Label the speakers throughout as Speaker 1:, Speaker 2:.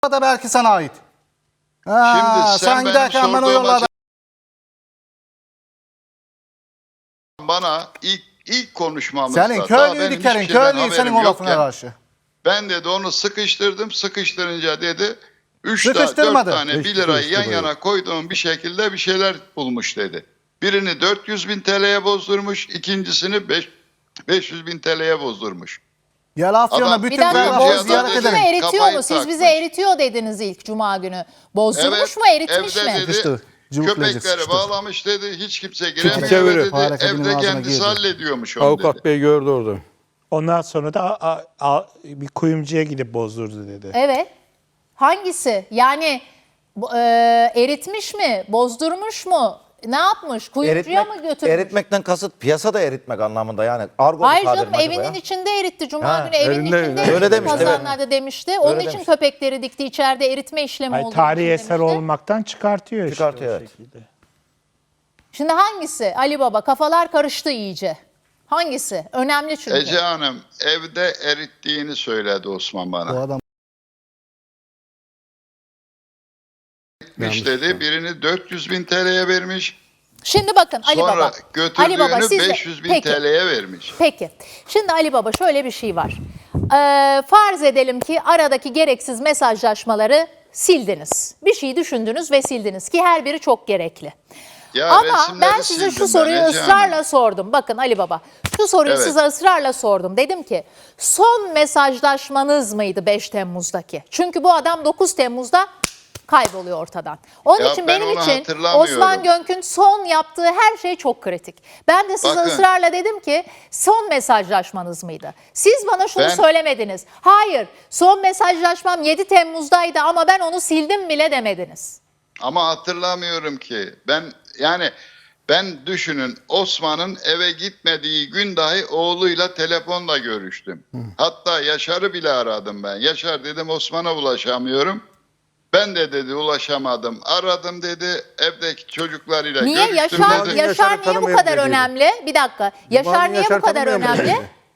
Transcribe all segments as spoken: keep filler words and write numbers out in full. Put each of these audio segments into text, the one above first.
Speaker 1: da belki sana ait. Ha,
Speaker 2: Şimdi sen,
Speaker 1: sen
Speaker 2: benim
Speaker 1: giderken ben o
Speaker 2: sorduğum
Speaker 1: yollarda...
Speaker 2: açı- bana ilk ilk konuşmamızda
Speaker 1: Senin
Speaker 2: daha
Speaker 1: köylüydü
Speaker 2: benim
Speaker 1: Kerim,
Speaker 2: hiçbir şeyden
Speaker 1: köylüydü senin
Speaker 2: haberim
Speaker 1: o lafına
Speaker 2: yokken
Speaker 1: karşı.
Speaker 2: ben dedi onu sıkıştırdım. Sıkıştırınca dedi üç ta, dört
Speaker 1: Sıkıştırmadı.
Speaker 2: tane bir lirayı yan yana koyduğum bir şekilde bir şeyler bulmuş dedi. Birini dört yüz bin T L'ye bozdurmuş, ikincisini beş yüz bin T L'ye bozdurmuş.
Speaker 1: Gel Afyon'a
Speaker 2: Adam-
Speaker 1: bütün
Speaker 3: Bir dakika
Speaker 2: Kuyumcuya
Speaker 1: kuyuları
Speaker 2: da
Speaker 1: ziyaret
Speaker 2: dedi,
Speaker 3: bozdurmuş mu
Speaker 1: edelim.
Speaker 3: eritiyor
Speaker 2: kafayı
Speaker 3: mu? Siz bize
Speaker 2: takmış.
Speaker 3: eritiyor dediniz ilk cuma günü. Bozdurmuş
Speaker 2: Evet,
Speaker 3: mu eritmiş
Speaker 2: evde
Speaker 3: mi?
Speaker 2: dedi,
Speaker 1: Sıkıştı, cıvıklayıcı
Speaker 2: köpekleri
Speaker 1: sıkıştı.
Speaker 2: bağlamış dedi, hiç kimse
Speaker 4: Çekiç
Speaker 2: giremiyor
Speaker 4: çeviriyor.
Speaker 2: dedi,
Speaker 1: Fare kedinin
Speaker 2: evde
Speaker 1: ağzına
Speaker 2: kendisi
Speaker 1: girdi.
Speaker 2: hallediyormuş onu
Speaker 4: Avukat
Speaker 2: dedi.
Speaker 4: bey gördü orada.
Speaker 5: Ondan sonra da a, a, bir kuyumcuya gidip bozdurdu dedi.
Speaker 3: Evet. Hangisi? Yani bu, e, eritmiş mi? Bozdurmuş mu? Ne yapmış? Kuyumcuya mı götürmüş?
Speaker 6: Eritmekten kasıt piyasada eritmek anlamında yani. Argo
Speaker 3: Hayır
Speaker 6: bir tabir
Speaker 3: canım
Speaker 6: mi acaba
Speaker 3: evinin
Speaker 6: ya?
Speaker 3: içinde eritti. Cuma
Speaker 6: Ha,
Speaker 3: günü evinin
Speaker 4: evinde-
Speaker 3: içinde
Speaker 4: Öyle
Speaker 3: eritti
Speaker 6: demişti, evet.
Speaker 3: kazanlarda demişti. Onun
Speaker 6: Öyle
Speaker 3: için
Speaker 6: demiş.
Speaker 3: köpekleri dikti. İçeride eritme işlemi
Speaker 5: Hayır,
Speaker 3: olduğu
Speaker 5: tarihi
Speaker 3: için
Speaker 5: eser
Speaker 3: demişti.
Speaker 5: olmaktan çıkartıyor işte
Speaker 6: Çıkartıyor,
Speaker 5: o
Speaker 6: evet.
Speaker 5: şekilde.
Speaker 3: Şimdi hangisi? Ali Baba kafalar karıştı iyice. Hangisi? Önemli çünkü.
Speaker 2: Ece Hanım evde erittiğini söyledi Osman bana.
Speaker 1: O adam
Speaker 2: Eritmiş dedi, birini dört yüz bin T L'ye vermiş.
Speaker 3: Şimdi bakın Ali
Speaker 2: Sonra
Speaker 3: Baba. Ali
Speaker 2: götürdüğünü
Speaker 3: Baba siz de-
Speaker 2: beş yüz bin
Speaker 3: Peki.
Speaker 2: T L'ye vermiş.
Speaker 3: Peki. Şimdi Ali Baba şöyle bir şey var. Ee, farz edelim ki aradaki gereksiz mesajlaşmaları sildiniz. Bir şey düşündünüz ve sildiniz ki her biri çok gerekli.
Speaker 2: Ya
Speaker 3: Ama
Speaker 2: resimleri
Speaker 3: ben size
Speaker 2: sildim
Speaker 3: şu
Speaker 2: ben
Speaker 3: soruyu
Speaker 2: Ece
Speaker 3: ısrarla
Speaker 2: Hanım.
Speaker 3: sordum. Bakın Ali Baba, şu soruyu
Speaker 2: Evet.
Speaker 3: size ısrarla sordum. Dedim ki son mesajlaşmanız mıydı beş Temmuz'daki? Çünkü bu adam dokuz Temmuz'da kayboluyor ortadan. Onun
Speaker 2: Ya
Speaker 3: için
Speaker 2: ben
Speaker 3: benim
Speaker 2: onu
Speaker 3: için
Speaker 2: hatırlamıyorum.
Speaker 3: Osman Gönk'ün son yaptığı her şey çok kritik. Ben de size
Speaker 2: Bakın.
Speaker 3: ısrarla dedim ki son mesajlaşmanız mıydı? Siz bana şunu
Speaker 2: Ben-
Speaker 3: söylemediniz. Hayır, son mesajlaşmam yedi Temmuz'daydı ama ben onu sildim bile demediniz.
Speaker 2: Ama hatırlamıyorum ki. Ben yani ben düşünün Osman'ın eve gitmediği gün dahi oğluyla telefonla görüştüm. Hatta Yaşar'ı bile aradım ben. Yaşar dedim Osman'a ulaşamıyorum. Ben de dedi ulaşamadım. Aradım dedi evdeki çocuklarıyla
Speaker 3: Niye
Speaker 2: görüştüm
Speaker 3: Yaşar,
Speaker 2: dedi.
Speaker 3: Yaşar
Speaker 4: Yaşar'ı
Speaker 3: niye bu
Speaker 4: tanımıyorum
Speaker 3: kadar
Speaker 4: dediydi.
Speaker 3: önemli? Bir dakika. Yaşar niye bu kadar önemli?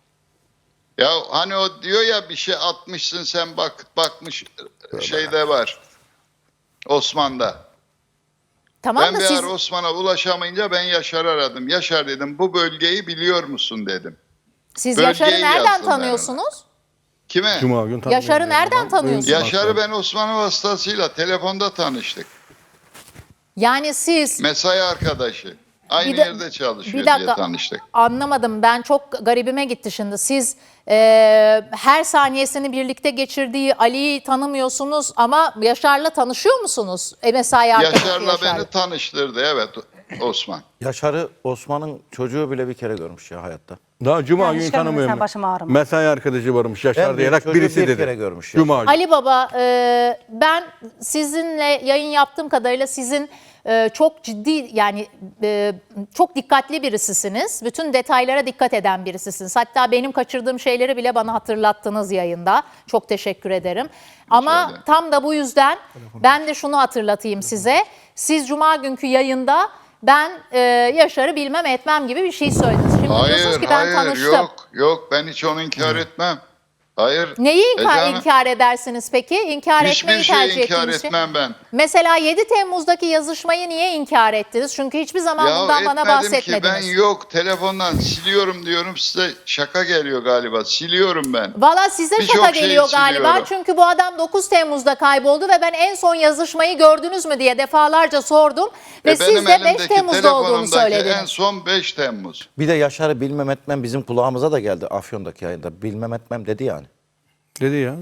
Speaker 2: Ya hani o diyor ya bir şey atmışsın sen bak bakmış şeyde var. Osman'da.
Speaker 3: Tamam
Speaker 2: Ben
Speaker 3: da
Speaker 2: bir
Speaker 3: siz
Speaker 2: ara Osman'a ulaşamayınca ben Yaşar'ı aradım. Yaşar dedim bu bölgeyi biliyor musun dedim.
Speaker 3: siz
Speaker 2: bölgeyi
Speaker 3: Yaşar'ı nereden
Speaker 2: yazdım ben
Speaker 3: tanıyorsunuz?
Speaker 2: Kime?
Speaker 4: Cuma gün
Speaker 3: Yaşar'ı nereden tanıyorsunuz?
Speaker 2: Yaşar'ı ben Osman'ın vasıtasıyla telefonda tanıştık.
Speaker 3: Yani siz
Speaker 2: Mesai arkadaşı. Aynı
Speaker 3: Bir de-
Speaker 2: yerde çalışıyor
Speaker 3: bir dakika,
Speaker 2: diye tanıştık.
Speaker 3: anlamadım. Ben çok garibime gitti şimdi. Siz e, her saniyesini birlikte geçirdiği Ali'yi tanımıyorsunuz ama Yaşar'la tanışıyor musunuz? E, mesai arkadaşı
Speaker 2: Yaşar'la
Speaker 3: Yaşar.
Speaker 2: beni tanıştırdı evet Osman.
Speaker 6: Yaşar'ı Osman'ın çocuğu bile bir kere görmüş ya hayatta.
Speaker 4: Daha Cuma
Speaker 7: Ben
Speaker 4: günü
Speaker 7: hiç görmedim,
Speaker 4: tanımıyorum.
Speaker 7: sen başım ağrıma.
Speaker 4: Mesai arkadaşı varmış Yaşar
Speaker 6: Ben
Speaker 4: diyerek
Speaker 6: çocuğu
Speaker 4: birisi
Speaker 6: bir
Speaker 4: dedi.
Speaker 6: kere görmüş ya.
Speaker 4: Cuma günü.
Speaker 3: Ali Baba, e, ben sizinle yayın yaptığım kadarıyla sizin e, çok ciddi yani e, çok dikkatli birisisiniz. Bütün detaylara dikkat eden birisisiniz. Hatta benim kaçırdığım şeyleri bile bana hatırlattınız yayında. Çok teşekkür ederim. Ama
Speaker 2: ederim.
Speaker 3: tam da bu yüzden ben de şunu hatırlatayım size. Siz Cuma günkü yayında ben e, Yaşar'ı bilmem etmem gibi bir şey söylediniz. Şimdi diyorsunuz
Speaker 2: Hayır
Speaker 3: ki ben
Speaker 2: hayır
Speaker 3: tanıştım.
Speaker 2: yok yok ben hiç onu inkar etmem. Hayır.
Speaker 3: Neyi
Speaker 2: Ece
Speaker 3: inkar,
Speaker 2: Hanım,
Speaker 3: inkar edersiniz peki? İnkar etmeyi
Speaker 2: Hiçbir
Speaker 3: tercih
Speaker 2: şeyi inkar
Speaker 3: ettiğiniz şey.
Speaker 2: etmem ben.
Speaker 3: Mesela yedi Temmuz'daki yazışmayı niye inkar ettiniz? Çünkü hiçbir zaman
Speaker 2: Ya
Speaker 3: bundan bana
Speaker 2: etmedim ki
Speaker 3: bahsetmediniz.
Speaker 2: ben yok telefondan siliyorum diyorum size şaka geliyor galiba siliyorum ben.
Speaker 3: Valla size
Speaker 2: Birçok
Speaker 3: şaka
Speaker 2: şeyi
Speaker 3: geliyor galiba.
Speaker 2: siliyorum.
Speaker 3: Çünkü bu adam dokuz Temmuz'da kayboldu ve ben en son yazışmayı gördünüz mü diye defalarca sordum. Ve
Speaker 2: E,
Speaker 3: siz
Speaker 2: benim
Speaker 3: de beş
Speaker 2: elimdeki
Speaker 3: Temmuz'da olduğunu
Speaker 2: telefonumdaki
Speaker 3: söylediniz.
Speaker 2: en son beş Temmuz.
Speaker 6: Bir de Yaşar'ı bilmem etmem bizim kulağımıza da geldi Afyon'daki yayında. Bilmem etmem dedi yani.
Speaker 4: Dedi ya.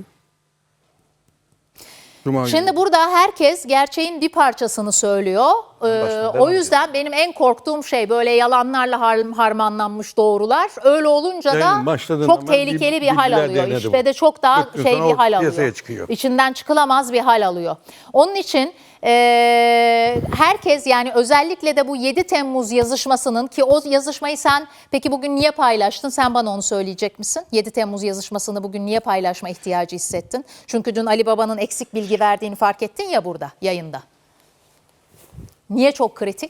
Speaker 4: Cuma günü.
Speaker 3: Şimdi burada herkes gerçeğin bir parçasını söylüyor. Ee,
Speaker 6: Baştan
Speaker 3: o
Speaker 6: devam
Speaker 3: yüzden benim en korktuğum şey böyle yalanlarla har- harmanlanmış doğrular. Öyle olunca da
Speaker 4: Yayının başladığından
Speaker 3: çok
Speaker 4: ben
Speaker 3: tehlikeli bir hal
Speaker 4: bilgiler
Speaker 3: alıyor.
Speaker 4: denedim.
Speaker 3: İşte de çok daha
Speaker 4: Kırk gün
Speaker 3: şey
Speaker 4: sonra
Speaker 3: bir
Speaker 4: o
Speaker 3: hal
Speaker 4: piyasaya
Speaker 3: alıyor.
Speaker 4: çıkıyor.
Speaker 3: İçinden çıkılamaz bir hal alıyor. Onun için e, herkes yani özellikle de bu yedi Temmuz yazışmasının ki o yazışmayı sen peki bugün niye paylaştın? Sen bana onu söyleyecek misin? yedi Temmuz yazışmasını bugün niye paylaşma ihtiyacı hissettin? Çünkü dün Ali Baba'nın eksik bilgi verdiğini fark ettin ya burada yayında. Niye çok kritik?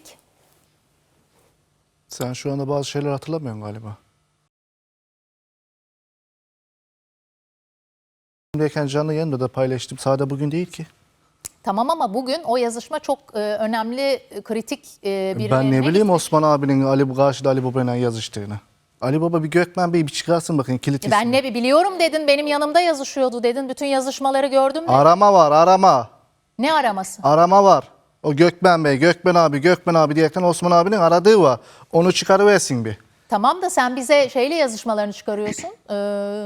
Speaker 1: sen şu anda bazı şeyler hatırlamıyorsun galiba. Derken canlı yayında da paylaştım. Sadece bugün değil ki.
Speaker 3: Tamam ama bugün o yazışma çok e, önemli, e, kritik e, bir
Speaker 1: Ben ne
Speaker 3: yerine
Speaker 1: bileyim
Speaker 3: gitti.
Speaker 1: Osman abinin Ali karşıda Ali Baba'yla yazıştığını. Ali Baba bir Gökmen Bey bir çıkarsın bakın kilit
Speaker 3: E, Ben
Speaker 1: ismi.
Speaker 3: ne biliyorum dedin, benim yanımda yazışıyordu dedin. Bütün yazışmaları gördüm de.
Speaker 1: Arama var arama.
Speaker 3: Ne araması?
Speaker 1: Arama var. O Gökmen Bey, Gökmen abi, Gökmen abi diyerekten Osman abinin aradığı var. Onu çıkarıversin bir.
Speaker 3: Tamam da sen bize şeyle yazışmalarını çıkarıyorsun. Ee,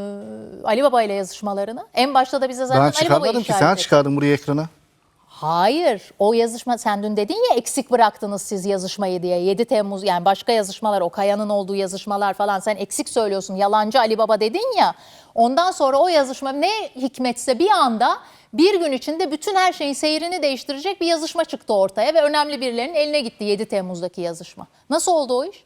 Speaker 3: Ali Baba ile yazışmalarını. En başta da bize zaten
Speaker 1: Ben
Speaker 3: Ali Baba'yı
Speaker 1: çıkarmadım ki
Speaker 3: işaret
Speaker 1: sen
Speaker 3: ettin.
Speaker 1: çıkardın buraya ekrana.
Speaker 3: Hayır, o yazışma sen dün dedin ya eksik bıraktınız siz yazışmayı diye. yedi Temmuz yani başka yazışmalar, o Kaya'nın olduğu yazışmalar falan sen eksik söylüyorsun. Yalancı Ali Baba dedin ya. Ondan sonra o yazışma ne hikmetse bir anda bir gün içinde bütün her şeyin seyrini değiştirecek bir yazışma çıktı ortaya ve önemli birilerinin eline gitti yedi Temmuz'daki yazışma. Nasıl oldu o iş?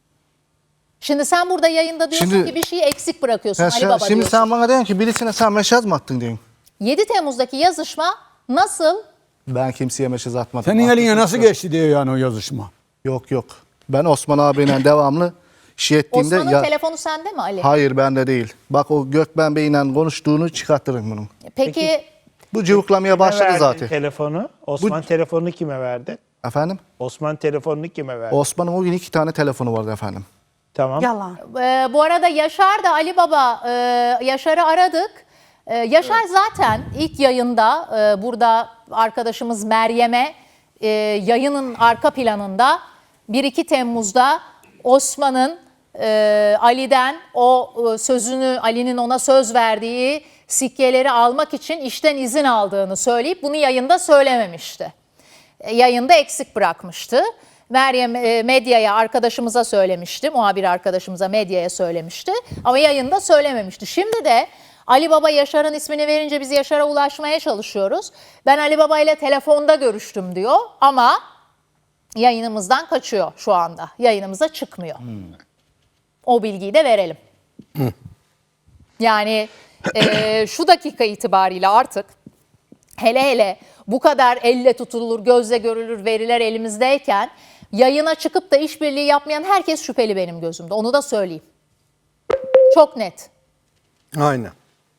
Speaker 3: Şimdi sen burada yayında diyorsun
Speaker 1: Şimdi-
Speaker 3: ki bir şeyi eksik bırakıyorsun
Speaker 1: Ya
Speaker 3: Ali
Speaker 1: sen-
Speaker 3: Baba
Speaker 1: şimdi
Speaker 3: diyorsun.
Speaker 1: sen bana diyorsun ki birisine sen mesaj mı attın diyorsun.
Speaker 3: yedi Temmuz'daki yazışma nasıl?
Speaker 1: Ben kimseye mesaj atmadım.
Speaker 7: Senin eline
Speaker 1: Atmışsın.
Speaker 7: nasıl geçti diyor yani o yazışma.
Speaker 1: Yok yok. Ben Osman abiyle devamlı şey ettiğimde...
Speaker 3: Osman'ın
Speaker 1: ya-
Speaker 3: telefonu sende mi Ali?
Speaker 1: Hayır bende değil. Bak o Gökmen Bey'le konuştuğunu çıkartırım bunun.
Speaker 3: Peki
Speaker 1: Bu cıvıklamaya
Speaker 5: Kime
Speaker 1: başladı
Speaker 5: verdin
Speaker 1: zaten.
Speaker 5: telefonu? Osman telefonunu kime verdi?
Speaker 1: Efendim?
Speaker 5: Osman telefonunu kime verdi?
Speaker 1: Osman'ın o gün iki tane telefonu vardı efendim.
Speaker 5: Tamam.
Speaker 8: Yalan.
Speaker 3: Ee, bu arada Yaşar da Ali Baba, e, Yaşar'ı aradık. E, Yaşar zaten ilk yayında e, burada arkadaşımız Meryem'e e, yayının arka planında bir iki Temmuz'da Osman'ın e, Ali'den o e, sözünü, Ali'nin ona söz verdiği sikkeleri almak için işten izin aldığını söyleyip bunu yayında söylememişti. E, Yayında eksik bırakmıştı. Meryem e, medyaya, arkadaşımıza söylemişti, muhabir arkadaşımıza medyaya söylemişti ama yayında söylememişti. Şimdi de Ali Baba Yaşar'ın ismini verince biz Yaşar'a ulaşmaya çalışıyoruz. Ben Ali Baba ile telefonda görüştüm diyor ama yayınımızdan kaçıyor şu anda. Yayınımıza çıkmıyor. O bilgiyi de verelim. Yani e, şu dakika itibariyle artık hele hele bu kadar elle tutulur, gözle görülür veriler elimizdeyken yayına çıkıp da işbirliği yapmayan herkes şüpheli benim gözümde. Onu da söyleyeyim. Çok net.
Speaker 4: Aynen.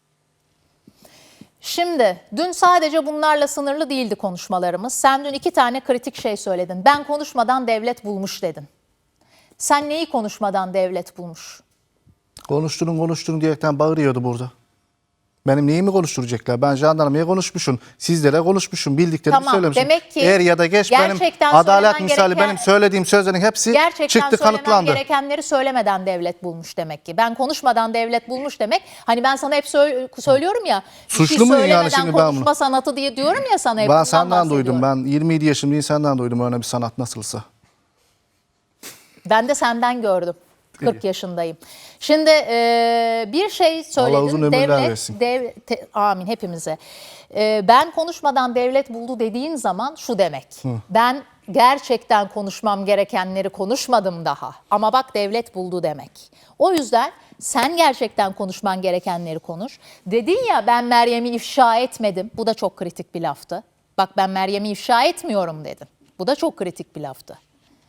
Speaker 3: Şimdi dün sadece bunlarla sınırlı değildi konuşmalarımız. Sen dün iki tane kritik şey söyledin. Ben konuşmadan devlet bulmuş dedin. Sen neyi konuşmadan devlet bulmuş?
Speaker 1: Konuşturun konuşturun diyerekten bağırıyordu burada. Benim neyimi konuşturacaklar? Ben jandarmaya konuşmuşum. Sizlere konuşmuşum. Bildiklerimi
Speaker 3: Tamam,
Speaker 1: söylemişim.
Speaker 3: demek ki
Speaker 1: Er ya da geç benim
Speaker 3: gerçekten
Speaker 1: adalet
Speaker 3: söylemen
Speaker 1: misali
Speaker 3: gereken-
Speaker 1: benim söylediğim sözlerin hepsi
Speaker 3: Gerçekten
Speaker 1: çıktı
Speaker 3: söylemem
Speaker 1: kanıtlandı.
Speaker 3: gerekenleri söylemeden devlet bulmuş demek ki. Ben konuşmadan devlet bulmuş demek. Hani ben sana hep sö- söylüyorum ya. bir şey
Speaker 1: Suçlu muyum yani
Speaker 3: söylemeden
Speaker 1: şimdi ben bunu?
Speaker 3: konuşma sanatı diye diyorum ya sana hep.
Speaker 1: Ben
Speaker 3: bundan
Speaker 1: senden duydum.
Speaker 3: bahsediyorum.
Speaker 1: Ben yirmi yedi yaşındayım senden duydum öyle bir sanat nasılsa.
Speaker 3: Ben de senden gördüm. kırk yaşındayım. Şimdi e, bir şey söyledin.
Speaker 1: Allah uzun ömürler
Speaker 3: devlet,
Speaker 1: versin.
Speaker 3: dev- te- amin hepimize. E, ben konuşmadan devlet buldu dediğin zaman şu demek. Ben gerçekten konuşmam gerekenleri konuşmadım daha. Ama bak devlet buldu demek. O yüzden sen gerçekten konuşman gerekenleri konuş. Dedin ya ben Meryem'i ifşa etmedim. Bu da çok kritik bir laftı. Bak ben Meryem'i ifşa etmiyorum dedin. Bu da çok kritik bir laftı.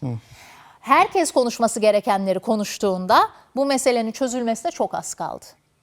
Speaker 3: Herkes konuşması gerekenleri konuştuğunda bu meselenin çözülmesine çok az kaldı.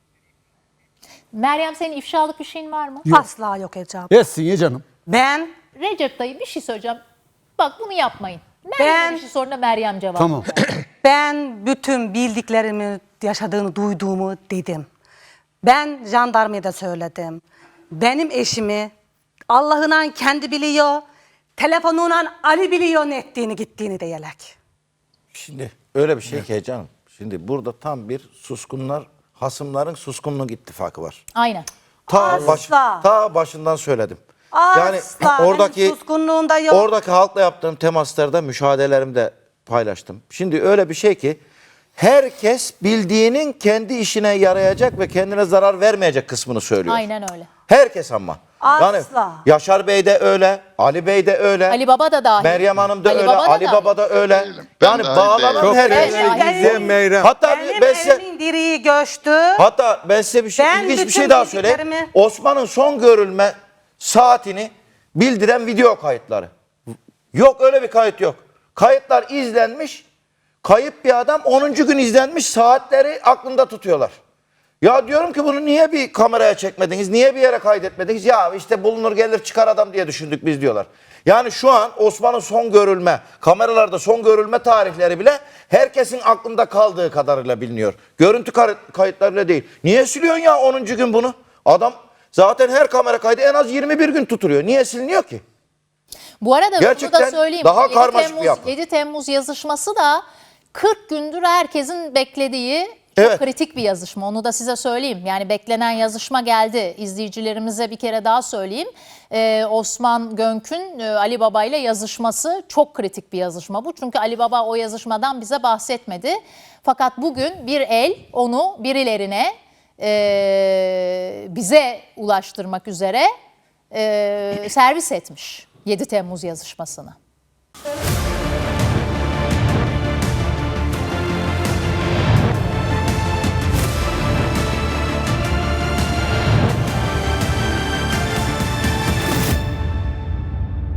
Speaker 3: Meryem senin ifşalık bir şeyin var mı?
Speaker 8: Asla yok Ece abla.
Speaker 7: Etsin ya canım.
Speaker 8: Ben
Speaker 3: Recep dayı bir şey söyleyeceğim. Bak bunu yapmayın. Meryem'e
Speaker 8: Ben-
Speaker 3: bir şey sonra Meryem cevap
Speaker 7: Tamam.
Speaker 3: ver.
Speaker 8: ben bütün bildiklerimi, yaşadığını, duyduğumu dedim. Ben jandarmaya da söyledim. Benim eşimi Allah'ından kendi biliyor. Telefonundan Ali biliyor ne ettiğini gittiğini de yelek.
Speaker 6: Şimdi öyle bir şey ki canım. Şimdi burada tam bir suskunlar, hasımların suskunluk ittifakı var.
Speaker 3: Aynen.
Speaker 6: Ta, baş,
Speaker 8: Asla.
Speaker 6: ta başından söyledim.
Speaker 8: Asla.
Speaker 6: oradaki
Speaker 8: Benim suskunluğunda yok.
Speaker 6: oradaki halkla yaptığım temaslarda müşahederlerimi de paylaştım. Şimdi öyle bir şey ki herkes bildiğinin kendi işine yarayacak ve kendine zarar vermeyecek kısmını söylüyor.
Speaker 3: Aynen öyle.
Speaker 6: Herkes ama. Yani
Speaker 8: Asla.
Speaker 6: Yaşar Bey de öyle, Ali Bey de öyle.
Speaker 3: Ali Baba da dahil.
Speaker 6: Meryem Hanım da
Speaker 3: Ali
Speaker 6: öyle,
Speaker 3: Baba da
Speaker 6: Ali
Speaker 3: dahil.
Speaker 6: Baba da öyle.
Speaker 2: Değilim. Ben
Speaker 6: Yani
Speaker 2: dahil
Speaker 6: bağlanan
Speaker 2: değilim.
Speaker 4: Çok
Speaker 6: herkes.
Speaker 3: Ben dahil.
Speaker 4: izleyen Meyrem.
Speaker 6: Hatta
Speaker 8: Benim
Speaker 6: ben size,
Speaker 8: evimin direği göçtü.
Speaker 6: hatta ben size bir şey,
Speaker 8: Ben
Speaker 6: ilginç bir
Speaker 8: bütün
Speaker 6: şey daha söyleyeyim.
Speaker 8: bildiklerimi-
Speaker 6: Osman'ın son görülme saatini bildiren video kayıtları. Yok öyle bir kayıt yok. Kayıtlar izlenmiş. Kayıp bir adam onuncu gün izlenmiş saatleri aklında tutuyorlar. Ya diyorum ki bunu niye bir kameraya çekmediniz? Niye bir yere kaydetmediniz? Ya işte bulunur gelir çıkar adam diye düşündük biz diyorlar. Yani şu an Osman'ın son görülme, kameralarda son görülme tarihleri bile herkesin aklında kaldığı kadarıyla biliniyor. Görüntü kayıtlarıyla değil. Niye siliyorsun ya onuncu gün bunu? Adam zaten her kamera kaydı en az yirmi bir gün tutuluyor. Niye siliniyor ki?
Speaker 3: Bu arada
Speaker 6: Gerçekten
Speaker 3: bunu da söyleyeyim.
Speaker 6: daha
Speaker 3: yedi
Speaker 6: karmaşık bir
Speaker 3: Temmuz,
Speaker 6: yapı.
Speaker 3: yedi Temmuz yazışması da kırk gündür herkesin beklediği çok
Speaker 6: Evet.
Speaker 3: kritik bir yazışma. Onu da size söyleyeyim. Yani beklenen yazışma geldi. İzleyicilerimize bir kere daha söyleyeyim. Ee, Osman Gönk'ün e, Ali Baba ile yazışması çok kritik bir yazışma bu. Çünkü Ali Baba o yazışmadan bize bahsetmedi. Fakat bugün bir el onu birilerine e, bize ulaştırmak üzere e, servis etmiş yedi Temmuz yazışmasını.